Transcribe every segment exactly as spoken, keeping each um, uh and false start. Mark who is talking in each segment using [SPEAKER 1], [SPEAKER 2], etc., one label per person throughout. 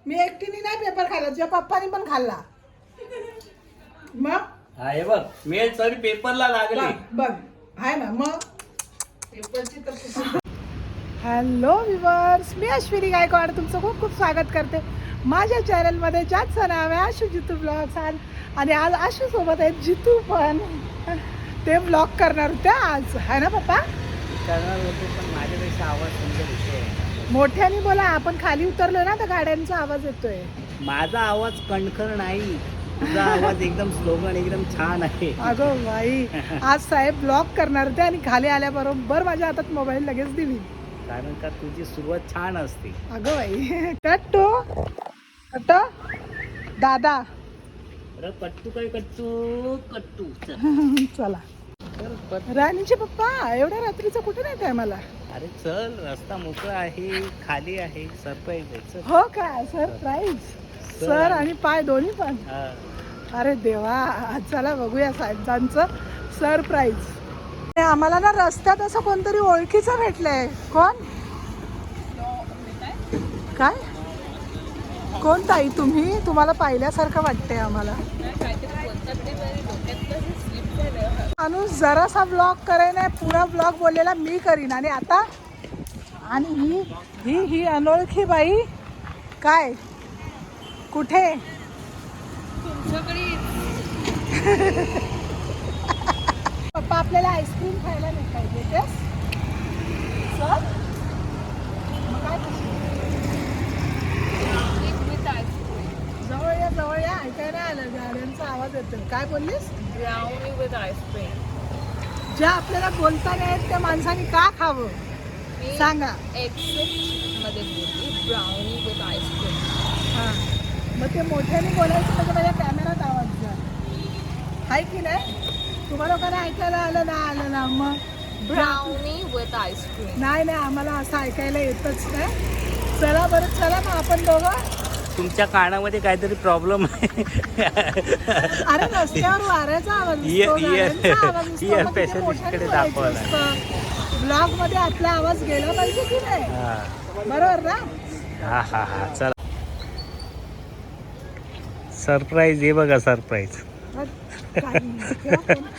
[SPEAKER 1] मी एकटीने नाही पेपर खाल्ला, तुझ्या पप्पानी पण खाल्ला. मग
[SPEAKER 2] हा हे बघ मेल सर पेपरला लागले.
[SPEAKER 1] बघ बघ आहे ना मग पेपरची तर. हॅलो विवर्स, मी अश्विनी गायकवाड तुमचं खूप खूप स्वागत करते माझ्या चॅनलमध्ये, ज्याचं नाव आहे आशू जितू ब्लॉग्स. आणि आज आशू सोबत आहेत जितू पण. ते ब्लॉग करणार होते आज, आहे ना पप्पा?
[SPEAKER 2] करणार होतो पण माझ्यापेक्षा आवाज तुमचा विषय आहे.
[SPEAKER 1] मोठ्याने बोला, आपण खाली उतरलो ना तर गाड्यांचा आवाज येतोय.
[SPEAKER 2] माझा आवाज कणखर नाही, तुझा आवाज एकदम स्लोगन एकदम छान आहे.
[SPEAKER 1] अगं बाई, आज साहेब ब्लॉग करणार होते आणि खाली आल्याबरोबर माझ्या हातात मोबाईल लगेच दिली.
[SPEAKER 2] कारण का तुझी सुरुवात छान असते.
[SPEAKER 1] अगं बाई, कट्टू कट्टू दादा.
[SPEAKER 2] अरे कट्टू काय कट्टू कट्टू
[SPEAKER 1] चला. राणीचे पप्पा एवढ्या रात्रीचं कुठे नाही काय मला?
[SPEAKER 2] अरे चल, रस्ता मोकळा आहे, खाली आहे, सरप्राईज आहे. चल.
[SPEAKER 1] हो का? सरप्राईज. सर आणि पाय दोन्ही पण.
[SPEAKER 2] हा.
[SPEAKER 1] अरे देवा, चला बघूया साहेबांचं सरप्राईज. आम्हाला ना रस्त्यात असं कोणतरी ओळखीचं भेटलंय. कोण? काय? कोण ताई तुम्ही? तुम्हाला पाहिल्यासारखं वाटतंय आम्हाला. माणूस जरासा ब्लॉग करे नाही, पुरा ब्लॉग बोललेला मी करीन. आणि आता आणि ही ही ही अनोळखी बाई काय कुठे? पप्पा आपल्याला आईस्क्रीम खायला नाही पाहिजे तेच सर. मग काय जवळ या जवळ या, ऐकायला आलं गाड्यांचा आवाज येतो. काय बोललीस?
[SPEAKER 3] Brownie with ice cream.
[SPEAKER 1] ज्या आपल्याला बोलता नाही त्या माणसाने का खावं सांगा.
[SPEAKER 3] एक्सेप्ट मध्ये बोलली ब्राउनी विथ आईस्क्रीम.
[SPEAKER 1] हां, मग ते मोठ्याने बोलायचं म्हणजे माझ्या कॅमेरात आवाज जा आहे की नाही? तुम्हाला लोकांना ऐकायला आलं ना आलं ना मग
[SPEAKER 3] ब्राउनी विथ आईस्क्रीम.
[SPEAKER 1] नाही नाही, आम्हाला असं ऐकायला येतच नाही. चला बरं, चला मग आपण दोघं.
[SPEAKER 2] तुमच्या कानामध्ये काहीतरी प्रॉब्लेम आहे.
[SPEAKER 1] अरे रस्त्यावर वाऱ्याचा आवाज
[SPEAKER 2] इयर-
[SPEAKER 1] दिसतो,
[SPEAKER 2] इयर-
[SPEAKER 1] गाड्यांचा आवाज दिसतो,
[SPEAKER 2] इयर
[SPEAKER 1] मग तिथे
[SPEAKER 2] specialist
[SPEAKER 1] मोठ्याने
[SPEAKER 2] कडे
[SPEAKER 1] बोलायचं
[SPEAKER 2] दाखवायला.
[SPEAKER 1] दिसतं. ब्लॉग मध्ये आपला आवाज गेला पाहिजे की नाही?
[SPEAKER 2] हा
[SPEAKER 1] बरोबर ना?
[SPEAKER 2] हा हा हा चला. सरप्राईज हे बघा, सरप्राईज.
[SPEAKER 1] काही किंवा कोण-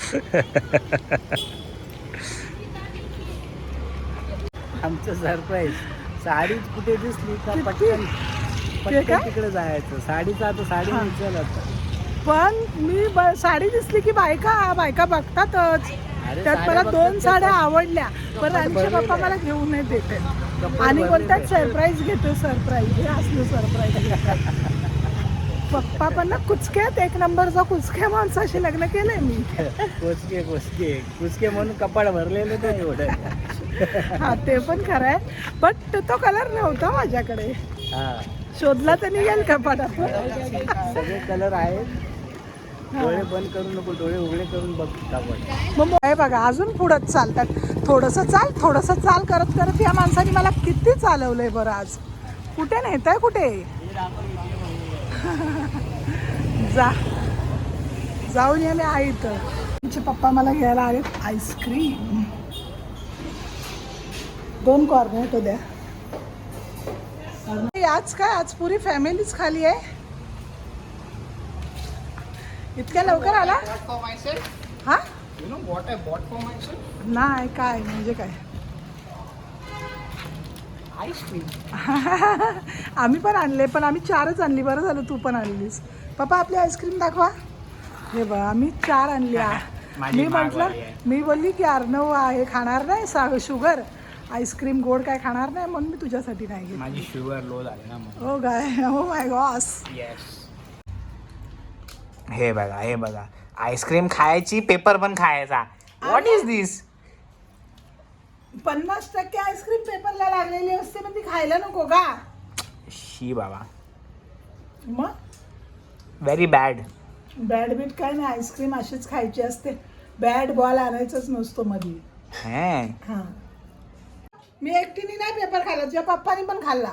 [SPEAKER 2] आमचं सरप्राईज. साडीच कुठे दिसली का
[SPEAKER 1] किती?
[SPEAKER 2] पटकन
[SPEAKER 1] ते
[SPEAKER 2] पटकन
[SPEAKER 1] काय?
[SPEAKER 2] तिकडे जायचं. साडीचं आता साडी
[SPEAKER 1] हा.
[SPEAKER 2] निघेल आता.
[SPEAKER 1] पण मी ब- साडी दिसली की बायका बायका बघतातच.
[SPEAKER 2] अरे
[SPEAKER 1] त्यात
[SPEAKER 2] साड्या
[SPEAKER 1] मला
[SPEAKER 2] बघतात
[SPEAKER 1] दोन
[SPEAKER 2] त्या
[SPEAKER 1] साड्या
[SPEAKER 2] पण.
[SPEAKER 1] आवडल्या, पण आमचे
[SPEAKER 2] भरलेल्या
[SPEAKER 1] पप्पा
[SPEAKER 2] आहे.
[SPEAKER 1] मला घेऊन नाही देते
[SPEAKER 2] कपडे
[SPEAKER 1] आणि बोलतात
[SPEAKER 2] भरलेले.
[SPEAKER 1] सरप्राईज घेतो सरप्राईज. हे असलं सरप्राईज. पप्पा पण ना कुचक्यात एक नंबरचा कुचक्या माणसाशी लग्न केलंय मी.
[SPEAKER 2] कुचके कुचके कुचके म्हणून कपाड भरलेले नाही एवढं.
[SPEAKER 1] हा ते पण खरं आहे, बट तो कलर नव्हता माझ्याकडे.
[SPEAKER 2] हा,
[SPEAKER 1] शोधला तर निघेल कपाटात.
[SPEAKER 2] सगळे कलर आहेत. डोळे बंद करू नको, डोळे उघडे करून बघ कपाट.
[SPEAKER 1] मग हे बघा अजून पुढं चालतात. थोडंसं चाल थोडंसं चाल करत करत या माणसाने मला किती चालवलंय बरं आज. कुठे नेताय कुठे? जा जाऊन या मी आई तर. तुमचे पप्पा मला घ्यायला आले आईस्क्रीम. दोन कॉर्नेटो द्या. आज काय, आज पुरी फॅमिलीच खाली आहे. इतक्या लवकर आला? हा नाही काय म्हणजे काय
[SPEAKER 2] आईस्क्रीम
[SPEAKER 1] आम्ही पण आणले, पण आम्ही चारच आणली. बरं झालं तू पण आणलीस. पप्पा आपली आईस्क्रीम दाखवा. हे बघ आम्ही चार आणली.
[SPEAKER 2] माझी
[SPEAKER 1] मी म्हटलं,
[SPEAKER 2] मागवाली आहे.
[SPEAKER 1] मी बोलली की अर्णव आहे खाणार नाही सा शुगर आईस्क्रीम गोड काय खाणार नाही, म्हणून मी तुझ्यासाठी नाही घेतली.
[SPEAKER 2] माझी शुगर लो झाली ना म्हणून.
[SPEAKER 1] हो काय? हो माय गॉस.
[SPEAKER 2] येस. हे बघा हे बघा, आईस्क्रीम खायची, पेपर पण खायचा. What is this?
[SPEAKER 1] पन्नास टक्के आईस्क्रीम पेपरला लागलेली असते, पण ती खायला नको का?
[SPEAKER 2] शी बाबा,
[SPEAKER 1] मग
[SPEAKER 2] व्हेरी बॅड.
[SPEAKER 1] बॅड बीट काय नाही, आईस्क्रीम अशीच खायची असते. बॅड बॉल आणायचाच नसतो मध्ये.
[SPEAKER 2] हे
[SPEAKER 1] हा, मी एकटीने नाही पेपर खाल्ला, तुझ्या पप्पानी पण खाल्ला.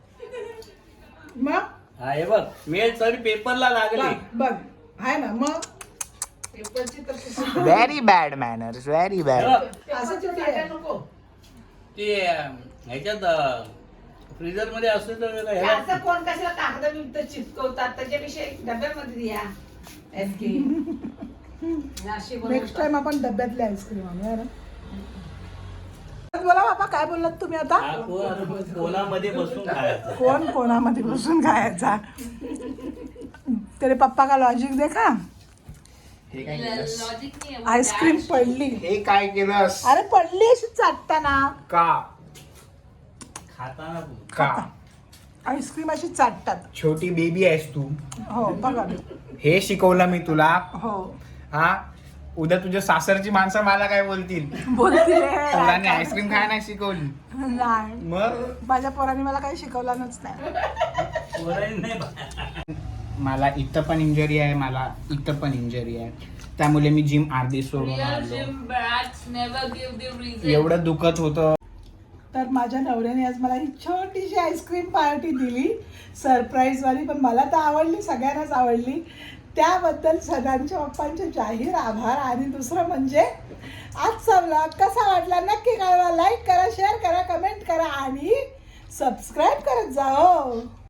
[SPEAKER 1] मग
[SPEAKER 2] हा हे बघ मेल सर पेपरला लागले.
[SPEAKER 1] बघ बघ आहे ना मग पेपरची तर
[SPEAKER 2] very bad manners, very bad.
[SPEAKER 1] असं चिठ्ठी आहे. नको
[SPEAKER 2] ते ह्याच्यात फ्रीजर मध्ये असते तर त्याला ह्याला-
[SPEAKER 1] असं कोण कशाला कागद
[SPEAKER 4] तिथं चिपकवतात त्याच्यापेक्षा डब्यामध्ये द्या आईस्क्रीम.
[SPEAKER 1] नेक्स्ट टाइम आपण डब्यातले आईस्क्रीम आणूया ना. बोला बाबा काय बोललात तुम्ही आता?
[SPEAKER 2] हा कोण कोणामध्ये बसून खायचं.
[SPEAKER 1] कोण कोणामध्ये बसून खायचा? तेरे पप्पा का लॉजिक देखा.
[SPEAKER 2] हे काय केलंस?
[SPEAKER 3] लॉजिक नाही
[SPEAKER 1] आईस्क्रीम पडली.
[SPEAKER 2] हे काय केलंस?
[SPEAKER 1] अरे पडली अशी चाटताना.
[SPEAKER 2] का खाताना का
[SPEAKER 1] आईस्क्रीम अशी चाटतात.
[SPEAKER 2] छोटी बेबी आहेस तू.
[SPEAKER 1] हो बघा.
[SPEAKER 2] हे शिकवलं मी तुला.
[SPEAKER 1] हो
[SPEAKER 2] हा उद्या तुझ्या सासरची माणसं मला काय बोलतील?
[SPEAKER 1] बोलते
[SPEAKER 2] तुला आईस्क्रीम खायला नाही शिकवली.
[SPEAKER 1] नाही
[SPEAKER 2] मग
[SPEAKER 1] माझ्या पोरांनी मला काही शिकवलंच नाही.
[SPEAKER 2] मला इथं पण इंजरी आहे, मला इथं पण इंजरी आहे, त्यामुळे मी जिम अर्धी सोडून आलो. एवढं दुखत होतं.
[SPEAKER 1] तर माझ्या नवऱ्याने आज मला ही छोटीशी आईस्क्रीम पार्टी दिली सरप्राईज वाली. पण मला तर आवडली, सगळ्यांनाच आवडली. त्याबद्दल सगळ्यांच्या पप्पांचे जाहीर आभार. आणि दुसरं म्हणजे आजचा व्लॉग कसा वाटला नक्की कळवा. लाईक करा, शेअर करा, कमेंट करा आणि सबस्क्राईब करत जा. हो.